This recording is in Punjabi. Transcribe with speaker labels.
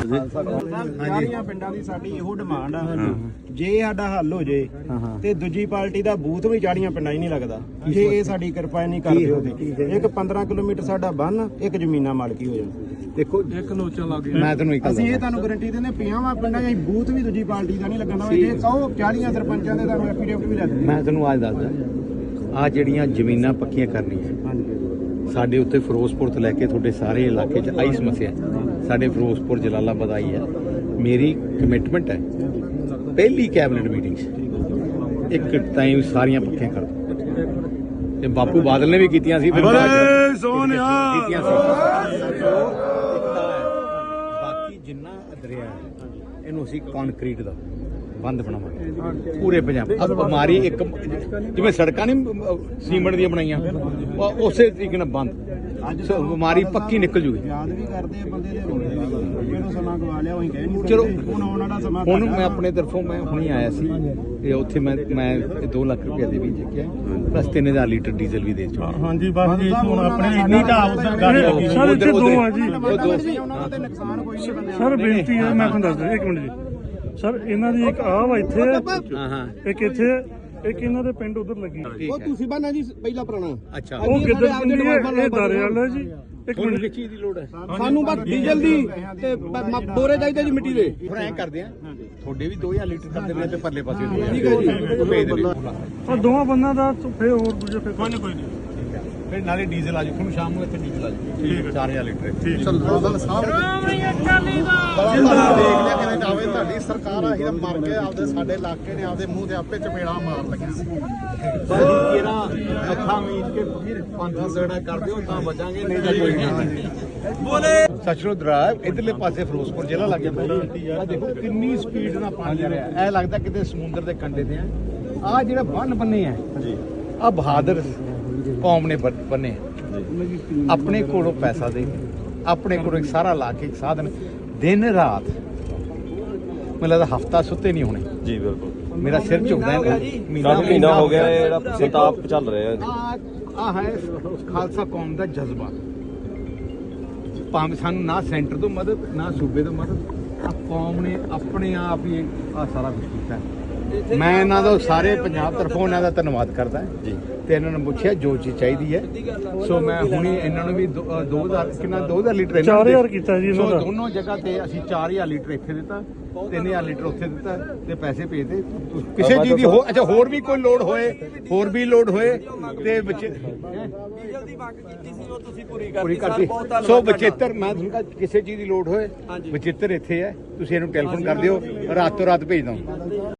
Speaker 1: ਸਾਰੀਆਂ ਪਿੰਡਾਂ ਦੀ ਸਾਡੀ ਇਹੋ ਡਿਮਾਂਡ ਆ, ਜੇ ਸਾਡਾ ਹੱਲ ਹੋ ਜੇ ਤੇ ਦੂਜੀ ਪਾਰਟੀ ਦਾ ਬੂਥ ਵੀ ਚਾੜੀਆਂ ਪਿੰਡਾਂ 'ਚ ਨਹੀਂ ਲੱਗਦਾ, ਜੇ ਇਹ ਸਾਡੀ ਕਿਰਪਾ ਨਹੀਂ ਕਰਦੇ ਉਹਦੇ। ਇੱਕ 15 ਕਿਲੋਮੀਟਰ ਸਾਡਾ ਬੰਨ, ਇੱਕ ਜ਼ਮੀਨਾਂ ਮਾਲਕੀ ਹੋ ਜਾਣ।
Speaker 2: ਦੇਖੋ
Speaker 1: ਇੱਕ ਲੋਚਾ ਲੱਗ ਗਿਆ।
Speaker 2: ਮੈਂ ਤੁਹਾਨੂੰ ਇੱਕ
Speaker 1: ਅਸੀਂ ਇਹ ਤੁਹਾਨੂੰ ਗਾਰੰਟੀ ਦਿੰਦੇ, 50 ਪਿੰਡਾਂ 'ਚ ਬੂਥ ਵੀ ਦੂਜੀ ਪਾਰਟੀ ਦਾ ਨਹੀਂ ਲੱਗਣਾ। ਜੇ ਕਹੋ 40 ਸਰਪੰਚਾਂ ਦੇ ਤਾਂ ਐਫੀਡੇਵਿਟ ਵੀ ਲੈ ਦਿੰਦੇ।
Speaker 2: ਮੈਂ ਤੁਹਾਨੂੰ ਅੱਜ ਦੱਸਦਾ, ਆ ਜਿਹੜੀਆਂ ਜ਼ਮੀਨਾਂ ਪੱਕੀਆਂ ਕਰਨੀਆਂ ਸਾਡੇ ਉੱਤੇ ਫਿਰੋਜ਼ਪੁਰ ਤੋਂ ਲੈ ਕੇ ਤੁਹਾਡੇ ਸਾਰੇ ਇਲਾਕੇ 'ਚ ਆਈ ਸਮੱਸਿਆ। ਸਾਡੇ ਫਿਰੋਜ਼ਪੁਰ ਜਲਾਲਾਬਾਦ ਆਈ ਹੈ। ਮੇਰੀ ਕਮਿਟਮੈਂਟ ਹੈ ਪਹਿਲੀ ਕੈਬਨਿਟ ਮੀਟਿੰਗ 'ਚ ਇੱਕ ਟਾਈਮ ਸਾਰੀਆਂ ਪੱਕੀਆਂ ਕਰ ਦੋ। ਤੇ ਬਾਪੂ ਬਾਦਲ ਨੇ ਵੀ ਕੀਤੀਆਂ ਸੀ, ਕੀਤੀਆਂ ਸੀ। ਬਾਕੀ ਜਿੰਨਾ ਦਰਿਆ ਇਹਨੂੰ ਅਸੀਂ ਕੰਕਰੀਟ ਦਾ ਬੰਦ ਬਣਾਵਾਂਗੇ ਪੂਰੇ ਪੰਜਾਬ। ਅਬ ਬਿਮਾਰੀ ਇੱਕ ਜਿਵੇਂ ਸੜਕਾਂ ਨਹੀਂ ਸੀਮੈਂਟ ਦੀਆਂ ਬਣਾਈਆਂ, ਉਸੇ ਤਰੀਕੇ ਨਾਲ ਬੰਦ ਬਿਮਾਰੀ ਪੱਕੀ ਨਿਕਲ ਜੂਗੀ।
Speaker 1: ਯਾਦ ਵੀ ਕਰਦੇ ਆ ਬੰਦੇ ਦੇ ਰੋਲੇ ਜਿਹੜਾ ਸਮਾਂ ਗਵਾ ਲਿਆ ਉਹੀ ਕਹਿ ਨਹੀਂ।
Speaker 2: ਚਲੋ
Speaker 1: ਹੁਣ ਆਉਣ ਵਾਲਾ ਸਮਾਂ
Speaker 2: ਹੁਣ ਮੈਂ ਆਪਣੇ ਤਰਫੋਂ ਮੈਂ ਹੁਣੇ ਆਇਆ ਸੀ ਤੇ ਉੱਥੇ ਮੈਂ 2 ਲੱਖ ਰੁਪਏ ਦੇ ਵੀ ਚੱਕਿਆ, ਪਲੱਸ 3000 ਲੀਟਰ ਡੀਜ਼ਲ ਵੀ ਦੇ ਚੁੱਕਾ।
Speaker 1: ਹਾਂਜੀ ਬਸ ਜੀ, ਹੁਣ ਆਪਣੇ ਇੰਨੀ ਢਾਬ
Speaker 3: ਸਰ ਇੱਥੇ ਦੋ ਆ ਜੀ।
Speaker 1: ਉਹਨਾਂ ਦਾ ਤੇ ਨੁਕਸਾਨ ਕੋਈ ਨਹੀਂ ਬੰਦੇ।
Speaker 3: ਸਰ ਬੇਨਤੀ ਹੈ, ਮੈਂ ਤੁਹਾਨੂੰ ਦੱਸਦਾ ਇੱਕ ਮਿੰਟ ਜੀ। ਸਰ ਇਹਨਾਂ ਦੀ ਇੱਕ ਆਹ ਵਾ ਇੱਥੇ, ਇੱਕ ਇੱਥੇ, ਇੱਕ ਇਹਨਾਂ ਦੇ ਪਿੰਡ ਉਧਰ ਲੱਗੀ।
Speaker 1: ਉਹ ਤੁਸੀਂ ਬਾਨਾ ਜੀ ਪਹਿਲਾ ਪੁਰਾਣਾ।
Speaker 2: ਅੱਛਾ
Speaker 3: ਉਹ ਗਿੱਦੜ ਪਿੰਡੀ ਹੈ, ਇਹ ਦਾਰੇ ਵਾਲਾ ਜੀ। ਇੱਕ ਮਿੰਟ
Speaker 2: ਕਿਸ ਚੀਜ਼ ਦੀ ਲੋੜ ਹੈ?
Speaker 1: ਸਾਨੂੰ ਬਸ ਡੀਜ਼ਲ ਦੀ ਤੇ ਬੋਰੇ ਚਾਹੀਦੇ ਜੀ ਮਿੱਟੀ ਦੇ।
Speaker 2: ਹੁਣ ਐਂ ਕਰਦੇ ਆ, ਤੁਹਾਡੇ ਵੀ 2000 ਲੀਟਰ ਕਰਦੇ ਨੇ ਤੇ ਪਰਲੇ ਪਾਸੇ
Speaker 1: ਠੀਕ ਹੈ ਜੀ।
Speaker 2: ਭੇਜ ਦੇ।
Speaker 3: ਉਹ ਦੋਵਾਂ ਬੰਨਾਂ ਦਾ ਫੇਰ ਹੋਰ ਦੂਜੇ ਫੇਰ ਕੋਈ ਨਹੀਂ।
Speaker 2: ਫਿਰ ਨਾਲੇ ਡੀਜ਼ਲ ਆ ਜਾਊ, ਤੁਹਾਨੂੰ ਸ਼ਾਮ ਨੂੰ ਇੱਥੇ ਡੀਜ਼ਲ ਆ ਜਾਊ। ਠੀਕ ਹੈ 4000 ਲੀਟਰ।
Speaker 1: ਦੇਖ ਲਿਆ ਕਿਵੇਂ ਜਾਵੇ ਤੁਹਾਡੀ ਸਰਕਾਰ। ਆਹੀ ਤਾਂ ਮਰ ਗਏ, ਆਪਦੇ ਸਾਡੇ ਇਲਾਕੇ ਨੇ ਆਪਦੇ ਮੂੰਹ ਤੇ ਆਪੇ ਚਪੇੜਾ ਮਾਰ ਲੱਗਿਆ।
Speaker 2: ਜਿਹੜਾ ਅੱਖਾਂ ਮੀਚ ਕੇ ਫਿਰ 5 ਸੜਾ ਕਰਦੇ ਹੋ ਤਾਂ ਬਚਾਂਗੇ, ਨਹੀਂ ਤਾਂ ਕੋਈ ਨਹੀਂ। ਬੋਲੇ ਸਚਰੋਦ ਰਾਹ ਇਧਰਲੇ ਪਾਸੇ ਫਿਰੋਜ਼ਪੁਰ ਜ਼ਿਲ੍ਹਾ ਲੱਗ ਜਾਂਦਾ। ਆ ਦੇਖੋ ਕਿੰਨੀ ਸਪੀਡ ਨਾਲ ਪਾਣੀ ਆ ਰਿਹਾ, ਐ ਲੱਗਦਾ ਕਿਤੇ ਸਮੁੰਦਰ ਦੇ ਕੰਢੇ ਤੇ ਆ। ਜਿਹੜਾ ਬੰਨ ਬੰਨੇ ਆ ਆ ਬਹਾਦਰ ਕੌਮ ਨੇ ਬੰਨੇ। ਆਪਣੇ ਕੋਲੋਂ ਪੈਸਾ ਦੇ, ਆਪਣੇ ਕੋਲੋਂ ਇੱਕ ਸਾਰਾ ਲਾ ਕੇ ਇੱਕ ਸਾਧਨ, ਦਿਨ ਰਾਤ ਮੈਨੂੰ ਲੱਗਦਾ ਹਫਤਾ ਸੁੱਤੇ ਨਹੀਂ ਹੋਣੇ
Speaker 4: ਜੀ। ਬਿਲਕੁਲ
Speaker 2: ਮੇਰਾ ਸਿਰ ਝੁਕਦਾ ਹੈ।
Speaker 4: ਮਹੀਨਾ ਹੋ ਗਿਆ ਜਿਹੜਾ ਸੰਤਾਪ ਚੱਲ ਰਿਹਾ ਹੈ।
Speaker 2: ਆ ਹੈ ਖਾਲਸਾ ਕੌਮ ਦਾ ਜਜ਼ਬਾ। ਭਾਵੇਂ ਸਾਨੂੰ ਨਾ ਸੈਂਟਰ ਤੋਂ ਮਦਦ, ਨਾ ਸੂਬੇ ਤੋਂ ਮਦਦ, ਆ ਕੌਮ ਨੇ ਆਪਣੇ ਆਪ ਹੀ ਆ ਸਾਰਾ ਕੁਝ ਕੀਤਾ। ਮੈਂ ਇਹਨਾਂ ਦਾ ਸਾਰੇ ਪੰਜਾਬ ਤਰਫੋਂ ਇਹਨਾਂ ਦਾ ਧੰਨਵਾਦ ਕਰਦਾ ਜੀ। ਤੇ ਇਹਨਾਂ ਨੂੰ ਪੁੱਛਿਆ ਜੋ ਚੀਜ਼ ਚਾਹੀਦੀ ਹੈ, ਸੋ ਮੈਂ ਹੁਣੇ ਇਹਨਾਂ ਨੂੰ ਵੀ 2000 ਕਿੰਨਾ 2000 ਲੀਟਰ
Speaker 3: 4000 ਕੀਤਾ ਜੀ ਇਹਨਾਂ ਦਾ।
Speaker 2: ਦੋਨੋਂ ਜਗ੍ਹਾ ਤੇ ਅਸੀਂ 4000 ਲੀਟਰ ਇੱਥੇ ਦਿੱਤਾ, 3000 ਲੀਟਰ ਉੱਥੇ ਦਿੱਤਾ ਤੇ ਪੈਸੇ ਭੇਜਦੇ। ਕਿਸੇ ਚੀਜ਼ ਦੀ ਅੱਛਾ ਹੋਰ ਵੀ ਕੋਈ ਲੋੜ ਹੋਏ, ਹੋਰ ਵੀ ਲੋੜ ਹੋਏ ਤੇ ਬੱਚੇ
Speaker 4: ਡੀਜ਼ਲ ਦੀ ਮੰਗ ਕੀਤੀ ਸੀ, ਉਹ ਤੁਸੀਂ
Speaker 2: ਪੂਰੀ ਕਰਤੀ। ਸੋ ਬਚੇਤਰ ਮੈਂ ਤੁਹਾਨੂੰ ਕਿਹਾ ਕਿਸੇ ਚੀਜ਼ ਦੀ ਲੋੜ ਹੋਏ, ਬਚੇਤਰ ਇੱਥੇ ਹੈ, ਤੁਸੀਂ ਇਹਨੂੰ ਟੈਲੀਫੋਨ ਕਰ ਦਿਓ, ਰਾਤੋਂ ਰਾਤ ਭੇਜ ਦਵਾਂ।